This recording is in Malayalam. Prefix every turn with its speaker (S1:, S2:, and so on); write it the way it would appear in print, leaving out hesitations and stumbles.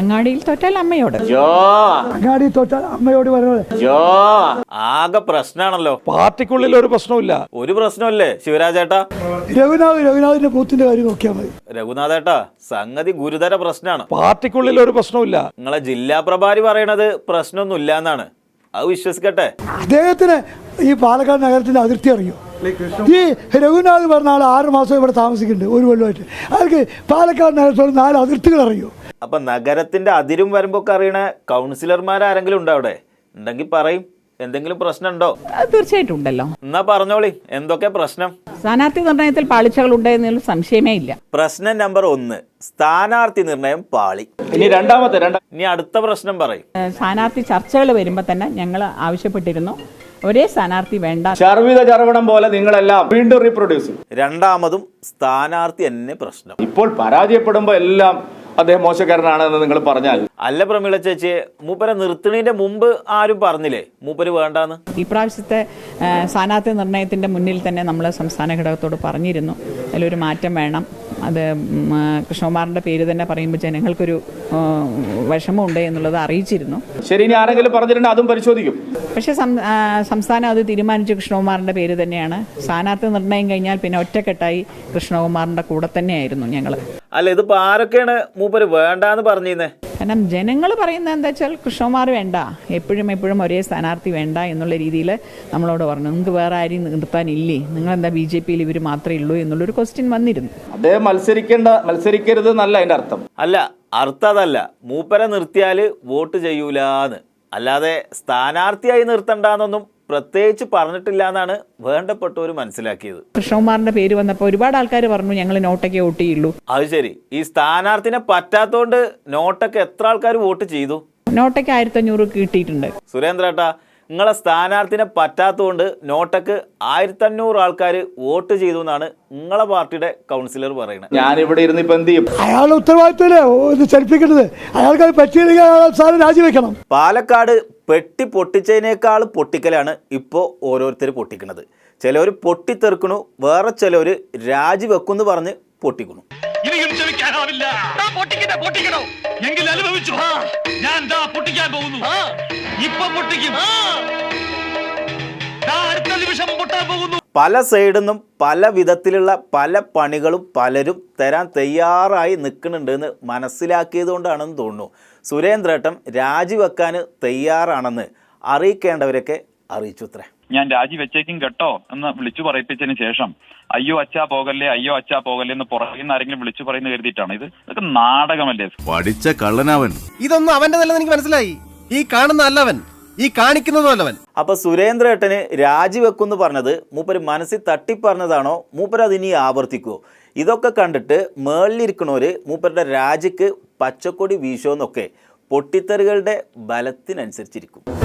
S1: അങ്ങാടിയിൽ തോറ്റാൽ അമ്മയോട്,
S2: അങ്ങാടിയിൽ തോറ്റാൽ അമ്മയോട് പറയുന്നത്
S3: ആകെ പ്രശ്നമാണല്ലോ.
S2: പാർട്ടിക്കുള്ളിൽ ഒരു പ്രശ്നമില്ല.
S3: ഒരു പ്രശ്നമല്ലേ ശിവരാജേട്ടാ?
S2: രഘുനാഥിന്റെ ബൂത്തിന്റെ കാര്യം നോക്കിയാൽ മതി.
S3: രഘുനാഥേട്ടാ, സംഗതി ഗുരുതര പ്രശ്നമാണ്.
S2: പാർട്ടിക്കുള്ളിൽ ഒരു പ്രശ്നമില്ല.
S3: നിങ്ങളെ ജില്ലാ പ്രഭാരി പറയണത് പ്രശ്നമൊന്നുമില്ല എന്നാണ്. അത് വിശ്വസിക്കട്ടെ.
S2: അദ്ദേഹത്തിന് ഈ പാലക്കാട് നഗരത്തിന്റെ അതിർത്തി അറിയോ? ഈ രഘുനാഥ് പറഞ്ഞ ആൾ 6 മാസം ഇവിടെ താമസിക്കുന്നുണ്ട്, ഒരു കൊല്ലമായിട്ട്. അയാൾക്ക് പാലക്കാട് നഗരത്തോട് 4 അതിർത്തികൾ അറിയോ?
S3: അപ്പൊ നഗരത്തിന്റെ അതിരും വരുമ്പൊക്കെ അറിയണ കൗൺസിലർമാരാരെങ്കിലും ഉണ്ടോ അവിടെ? ഉണ്ടെങ്കിൽ പറയും. എന്തെങ്കിലും പ്രശ്നമുണ്ടോ?
S1: തീർച്ചയായിട്ടും ഉണ്ടല്ലോ.
S3: എന്നാ പറഞ്ഞോളി, എന്തൊക്കെ പ്രശ്നം?
S1: സ്ഥാനാർത്ഥി നിർണയത്തിൽ പാളിച്ചകൾ ഉണ്ടെന്നുള്ള സംശയമേ ഇല്ല.
S3: പ്രശ്നം നമ്പർ 1, സ്ഥാനാർത്ഥി നിർണയം പാളി. ഇനി അടുത്ത പ്രശ്നം പറയും.
S1: സ്ഥാനാർത്ഥി ചർച്ചകൾ വരുമ്പോൾ തന്നെ ഞങ്ങൾ ആവശ്യപ്പെട്ടിരുന്നു ഒരേ സ്ഥാനാർത്ഥി വേണ്ട.
S4: ചർവിതം പോലെ നിങ്ങളെല്ലാം വീണ്ടും റീപ്രൊഡ്യൂസ്.
S3: രണ്ടാമതും സ്ഥാനാർത്ഥി തന്നെ പ്രശ്നം.
S4: ഇപ്പോൾ പരാജയപ്പെടുമ്പോ എല്ലാം അദ്ദേഹം മോശക്കാരനാണെന്ന് നിങ്ങൾ പറഞ്ഞാൽ.
S3: അല്ല പ്രമീള ചേച്ചിയെ, മൂപ്പരെ നിർത്തണതിന്റെ മുമ്പ് ആരും പറഞ്ഞില്ലേ മൂപ്പര് വേണ്ടാന്ന്?
S1: ഇപ്രാവശ്യത്തെ സ്ഥാനാർത്ഥി നിർണയത്തിന്റെ മുന്നിൽ തന്നെ നമ്മൾ സംസ്ഥാന ഘടകത്തോട് പറഞ്ഞിരുന്നു അതിലൊരു മാറ്റം വേണം. അത് കൃഷ്ണകുമാറിന്റെ പേര് തന്നെ പറയുമ്പോൾ ജനങ്ങൾക്കൊരു വിഷമമുണ്ട് എന്നുള്ളത് അറിയിച്ചിരുന്നു.
S4: ശരി, ഇനി ആരെങ്കിലും പറഞ്ഞിട്ടുണ്ടെങ്കിൽ അതും പരിശോധിക്കും.
S1: പക്ഷേ സംസ്ഥാനം അത് തീരുമാനിച്ചു കൃഷ്ണകുമാറിന്റെ പേര് തന്നെയാണ്. സ്ഥാനാർത്ഥി നിർണയം കഴിഞ്ഞാൽ പിന്നെ ഒറ്റക്കെട്ടായി കൃഷ്ണകുമാറിന്റെ കൂടെ തന്നെയായിരുന്നു ഞങ്ങൾ.
S3: അല്ല, ഇതിപ്പോ ആരൊക്കെയാണ് മൂപ്പര് വേണ്ടാന്ന് പറഞ്ഞിരുന്നേ?
S1: കാരണം ജനങ്ങൾ പറയുന്നത് എന്താ വെച്ചാൽ കൃഷ്ണകുമാർ വേണ്ട, എപ്പോഴും ഒരേ സ്ഥാനാർത്ഥി വേണ്ട എന്നുള്ള രീതിയിൽ നമ്മളോട് പറഞ്ഞു. നിങ്ങൾക്ക് വേറെ ആരെയും നിർത്താനില്ലേ? നിങ്ങളെന്താ BJP-യിൽ ഇവർ മാത്രമേ ഉള്ളൂ എന്നുള്ളൊരു ക്വസ്റ്റ്യൻ വന്നിരുന്നു.
S4: അദ്ദേഹം മത്സരിക്കരുത് എന്നല്ല അതിന്റെ അർത്ഥം.
S3: അല്ല, അർത്ഥം അതല്ല. മൂപ്പരെ നിർത്തിയാല് വോട്ട് ചെയ്യൂലാന്ന്, അല്ലാതെ സ്ഥാനാർത്ഥിയായി നിർത്തണ്ടെന്നൊന്നും പ്രത്യേകിച്ച് പറഞ്ഞിട്ടില്ല എന്നാണ് വേണ്ടപ്പെട്ടവർ മനസ്സിലാക്കിയത്.
S1: കൃഷ്ണകുമാറിന്റെ പേര് വന്നപ്പോൾ ഒരുപാട് ആൾക്കാർ പറഞ്ഞു ഞങ്ങൾ നോട്ടൊക്കെ വോട്ട് ചെയ്യുള്ളൂ.
S3: അത് ശരി. ഈ സ്ഥാനാർത്ഥിനെ പറ്റാത്തോണ്ട് നോട്ടൊക്കെ എത്ര ആൾക്കാർ വോട്ട് ചെയ്തു?
S1: നോട്ടൊക്കെ 1500 കിട്ടിയിട്ടുണ്ട്.
S3: സുരേന്ദ്രേട്ടാ, നിങ്ങളെ സ്ഥാനാർത്ഥിനെ പറ്റാത്തതുകൊണ്ട് നോട്ടക്ക് 1500 ആൾക്കാർ വോട്ട് ചെയ്തു എന്നാണ് നിങ്ങളെ പാർട്ടിയുടെ കൗൺസിലർ പറയുന്നത്.
S4: ഞാനിവിടെ ഇരുന്ന് ഇപ്പൊ എന്ത് ചെയ്യും?
S2: അയാളുടെ ഉത്തരവാദിത്തമല്ലേ ചലിപ്പിക്കുന്നത്? അയാൾക്ക് പറ്റിയില്ലെങ്കിൽ രാജിവെക്കണം.
S3: പാലക്കാട് പെട്ടി പൊട്ടിച്ചതിനേക്കാൾ പൊട്ടിക്കലാണ് ഇപ്പോൾ ഓരോരുത്തർ പൊട്ടിക്കുന്നത്. ചിലവർ പൊട്ടിത്തെറുക്കണു, വേറെ ചിലവർ രാജിവെക്കുമെന്ന് പറഞ്ഞ് പൊട്ടിക്കണു. പല സൈഡിൽ നിന്നും പല വിധത്തിലുള്ള പല പണികളും പലരും തരാൻ തയ്യാറായി നിൽക്കുന്നുണ്ടെന്ന് മനസ്സിലാക്കിയത് കൊണ്ടാണെന്ന് തോന്നുന്നു സുരേന്ദ്രേട്ടൻ രാജിവെക്കാൻ തയ്യാറാണെന്ന് അറിയിക്കേണ്ടവരൊക്കെ അറിയിച്ചു. അത്രേ.
S5: ഞാൻ രാജിവെച്ചേക്കും കേട്ടോ എന്ന് വിളിച്ചു പറയിപ്പിച്ചതിന് ശേഷം അയ്യോ അച്ഛാ പോകല്ലേ എന്ന് പുറകിൽ ആരെങ്കിലും വിളിച്ചു പറയുന്ന കരുതിയിട്ടാണ്. ഇതൊക്കെ നാടകമല്ലേ?
S6: പഠിച്ച കള്ളനവൻ.
S7: ഇതൊന്നും അവന്റെ നല്ലത് എനിക്ക് മനസ്സിലായി. ഈ കാണുന്ന അല്ലവൻ, ഈ കാണിക്കുന്നതല്ലവൻ.
S3: അപ്പൊ സുരേന്ദ്രേട്ടന് രാജിവെക്കുമെന്ന് പറഞ്ഞത് മൂപ്പര് മനസ്സിൽ തട്ടിപ്പറഞ്ഞതാണോ? മൂപ്പര് അതിനി ആവർത്തിക്കുമോ? ഇതൊക്കെ കണ്ടിട്ട് മേളിലിരിക്കണവര് മൂപ്പരുടെ രാജിക്ക് പച്ചക്കൊടി വീശോന്നൊക്കെ പൊട്ടിത്തെറികളുടെ ബലത്തിനനുസരിച്ചിരിക്കും.